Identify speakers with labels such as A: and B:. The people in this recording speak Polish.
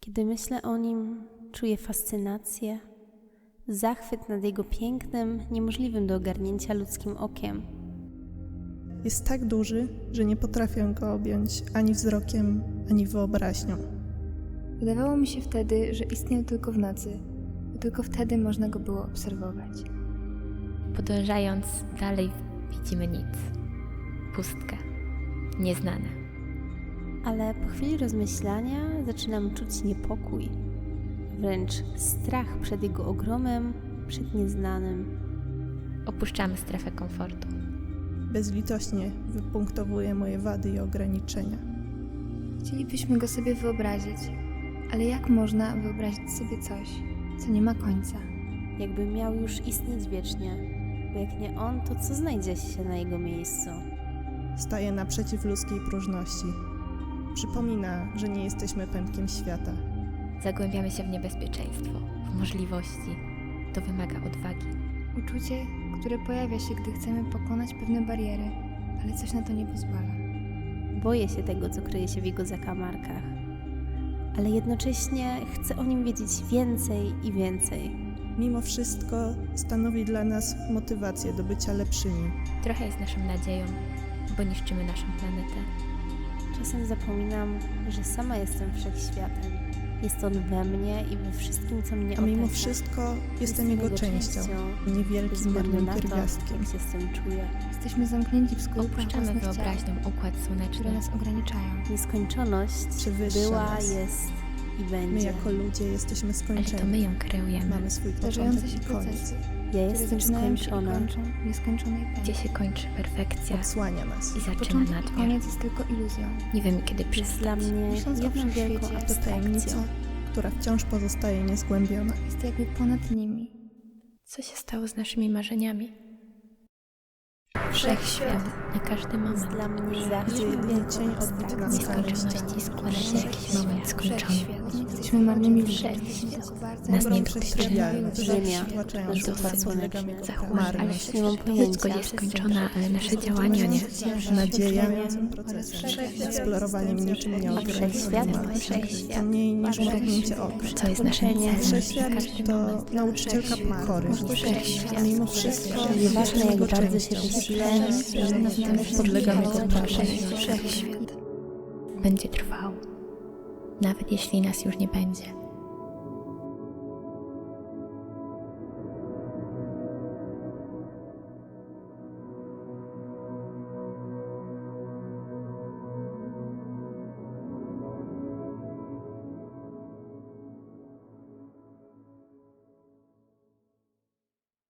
A: Kiedy myślę o nim, czuję fascynację, zachwyt nad jego pięknem, niemożliwym do ogarnięcia ludzkim okiem.
B: Jest tak duży, że nie potrafię go objąć ani wzrokiem, ani wyobraźnią.
C: Wydawało mi się wtedy, że istniał tylko w nocy, bo tylko wtedy można go było obserwować.
D: Podążając dalej widzimy nic. Pustkę. Nieznane.
A: Ale po chwili rozmyślania zaczynam czuć niepokój, wręcz strach przed jego ogromem, przed nieznanym.
D: Opuszczamy strefę komfortu.
B: Bezlitośnie wypunktowuje moje wady i ograniczenia.
C: Chcielibyśmy go sobie wyobrazić, ale jak można wyobrazić sobie coś, co nie ma końca?
A: Jakby miał już istnieć wiecznie, bo jak nie on, to co znajdzie się na jego miejscu?
B: Staje naprzeciw ludzkiej próżności. Przypomina, że nie jesteśmy pępkiem świata.
D: Zagłębiamy się w niebezpieczeństwo, w możliwości. To wymaga odwagi.
C: Uczucie, które pojawia się, gdy chcemy pokonać pewne bariery, ale coś na to nie pozwala.
A: Boję się tego, co kryje się w jego zakamarkach, ale jednocześnie chcę o nim wiedzieć więcej i więcej.
B: Mimo wszystko stanowi dla nas motywację do bycia lepszymi.
D: Trochę jest naszą nadzieją, bo niszczymy naszą planetę.
A: Czasem zapominam, że sama jestem wszechświatem. Jest on we mnie i we wszystkim, co mnie
B: A mimo
A: otacza.
B: wszystko jestem jego częścią,
A: bez
B: niewielkim
A: względu
B: marnym
A: na to,
B: pierwiastkiem.
A: jak się z tym czuję.
C: Jesteśmy zamknięci w skórach
D: Opuszczamy
C: własnych ciał,
D: wyobraźnią układ
C: które
D: słoneczny.
C: nas ograniczają.
A: Nieskończoność
B: Przewyższa
A: była,
B: nas.
A: jest i będzie.
B: My jako ludzie jesteśmy
D: Ale to
B: skończeni.
D: my ją kreujemy.
B: Mamy swój
C: Zdarzające
B: początek
C: się
B: i koniec.
C: procesy,
A: Ja
C: które
A: jestem
C: zaczynają się i
A: skończona.
C: kończą w nieskończonej
D: Gdzie
C: pętli.
D: się kończy perfekcja
B: Odsłania nas.
D: i zaczyna
C: Początek i
D: nadmiar.
C: koniec jest tylko iluzją.
D: Nie wiemy, kiedy
A: Jest dla
D: przestać.
A: mnie
C: Myśląc o
A: jedną wielką
C: wszechświecie,
B: To tajemnica,
A: abstrakcją.
B: która wciąż pozostaje niezgłębiona.
C: Jest jakby ponad nimi.
D: Co się stało z naszymi marzeniami?
C: Wszechświat.
D: Na każdy
A: Jest
D: moment.
A: dla mnie zawsze
B: Gdzie jedynie
A: wielką
B: cień odbity na
A: abstrakcją.
B: skalę
D: Nieskończoności składa się jakiś moment skończony.
C: Jesteśmy marnymi ludźmi.
D: Nas nie
B: Prześcigalność,
A: Ziemia,
B: przytłaczająca
A: nasz układ
B: nas,
A: słoneczny,
B: podlegamy jego
D: zachód,
B: marność.
A: Ale nie mam
D: Wszystko
A: pojęcia.
D: jest skończone, ale nasze działania nie.
B: Nadzieja eksplorowaniem niczym nieograniczonym.
A: Wszechświat.
B: To mniej niż mrugnięcie oka.
D: Co jest naszym celem?
B: Wszechświat to nauczycielka pokory. A mimo wszystko
A: Nieważne, jak
B: jego
A: bardzo się
B: częścią.
A: wysilę,
B: Podlegamy jego prawie.
C: Wszechświat.
D: Będzie trwał. Nawet jeśli nas już nie będzie.